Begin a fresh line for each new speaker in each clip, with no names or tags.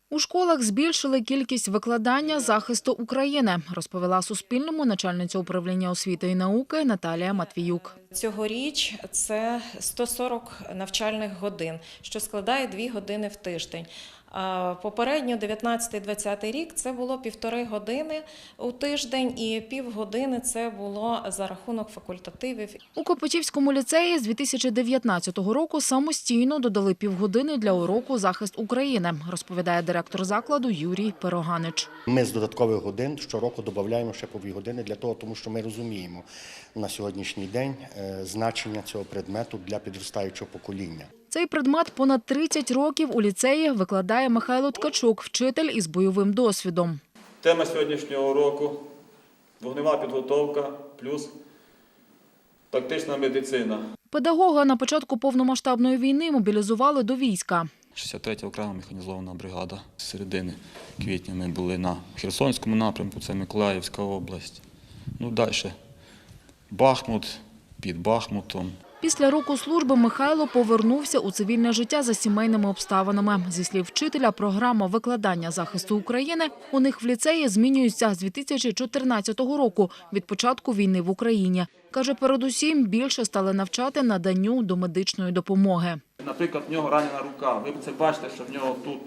У школах збільшили кількість викладання захисту України, розповіла Суспільному начальниця управління освіти і науки Наталія Матвіюк.
Цьогоріч це 140 навчальних годин, що складає 2 години в тиждень. Попередньо 19-20 рік це було 1,5 години у тиждень і півгодини це було за рахунок факультативів.
У Копичівському ліцеї з 2019 року самостійно додали півгодини для уроку «Захист України», розповідає директор закладу Юрій Пироганич.
Ми з додаткових годин щороку додаємо ще по 2 години для того, тому що ми розуміємо на сьогоднішній день значення цього предмету для підростаючого покоління.
Цей предмет понад 30 років у ліцеї викладає Михайло Ткачук, вчитель із бойовим досвідом.
Тема сьогоднішнього уроку – вогнева підготовка плюс тактична медицина.
Педагога на початку повномасштабної війни мобілізували до війська.
63-я окрема механізована бригада. З середини квітня ми були на Херсонському напрямку, це Миколаївська область. Далі Бахмут, під Бахмутом.
Після року служби Михайло повернувся у цивільне життя за сімейними обставинами. Зі слів вчителя, програма викладання захисту України у них в ліцеї змінюється з 2014 року, від початку війни в Україні. Каже, передусім більше стали навчати наданню домедичної допомоги.
Наприклад, в нього ранена рука, ви це бачите, що в нього тут.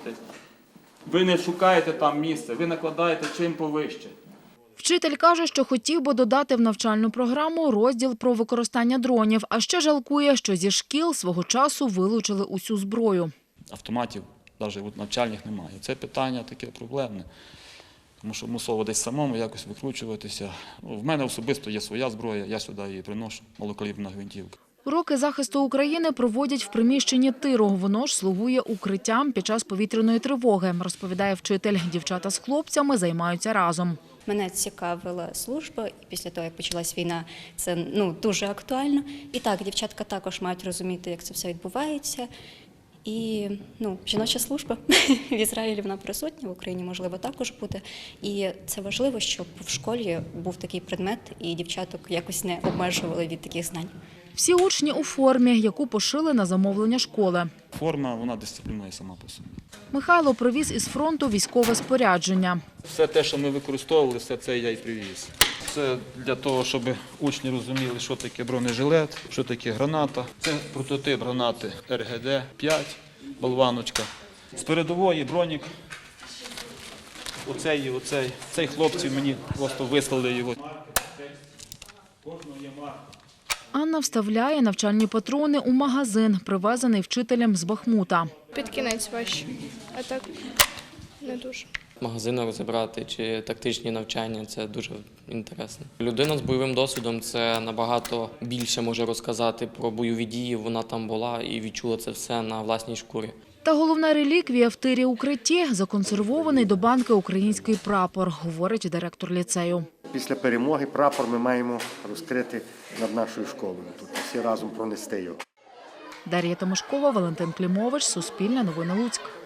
Ви не шукаєте там місце, ви накладаєте чим повище.
Вчитель каже, що хотів би додати в навчальну програму розділ про використання дронів, а ще жалкує, що зі шкіл свого часу вилучили усю зброю.
Автоматів навіть навчальних немає. Це питання таке проблемне, тому що мусово десь самому якось викручуватися. В мене особисто є своя зброя, я сюди її приношу, малокаліберна гвинтівка.
Уроки захисту України проводять в приміщенні тиру. Воно ж слугує укриттям під час повітряної тривоги, розповідає вчитель. Дівчата з хлопцями займаються разом.
Мене цікавила служба, і після того, як почалась війна, це дуже актуально. І так, дівчатка також мають розуміти, як це все відбувається. І жіноча служба в Ізраїлі вона присутня, в Україні, можливо, також буде. І це важливо, щоб в школі був такий предмет, і дівчаток якось не обмежували від таких знань.
Всі учні у формі, яку пошили на замовлення школи.
Форма, вона дисциплінує сама по собі.
Михайло привіз із фронту військове спорядження.
Все те, що ми використовували, все це я і привіз. Це для того, щоб учні розуміли, що таке бронежилет, що таке граната. Це прототип гранати РГД-5, болваночка. З передової бронік. Оцей і оцей. Цей хлопці мені просто вислали його. Кожного є марка.
Анна вставляє навчальні патрони у магазин, привезений вчителем з Бахмута.
Під кінець важче, а так не дуже.
Магазини розібрати чи тактичні навчання – це дуже інтересно. Людина з бойовим досвідом – це набагато більше може розказати про бойові дії. Вона там була і відчула це все на власній шкурі.
Та головна реліквія в тирі укритті – законсервований до банки український прапор, говорить директор ліцею.
Після перемоги прапор ми маємо розкрити над нашою школою. Тут всі разом пронести його.
Дар'я Тимошкова, Валентин Клімович, Суспільне новини Луцьк.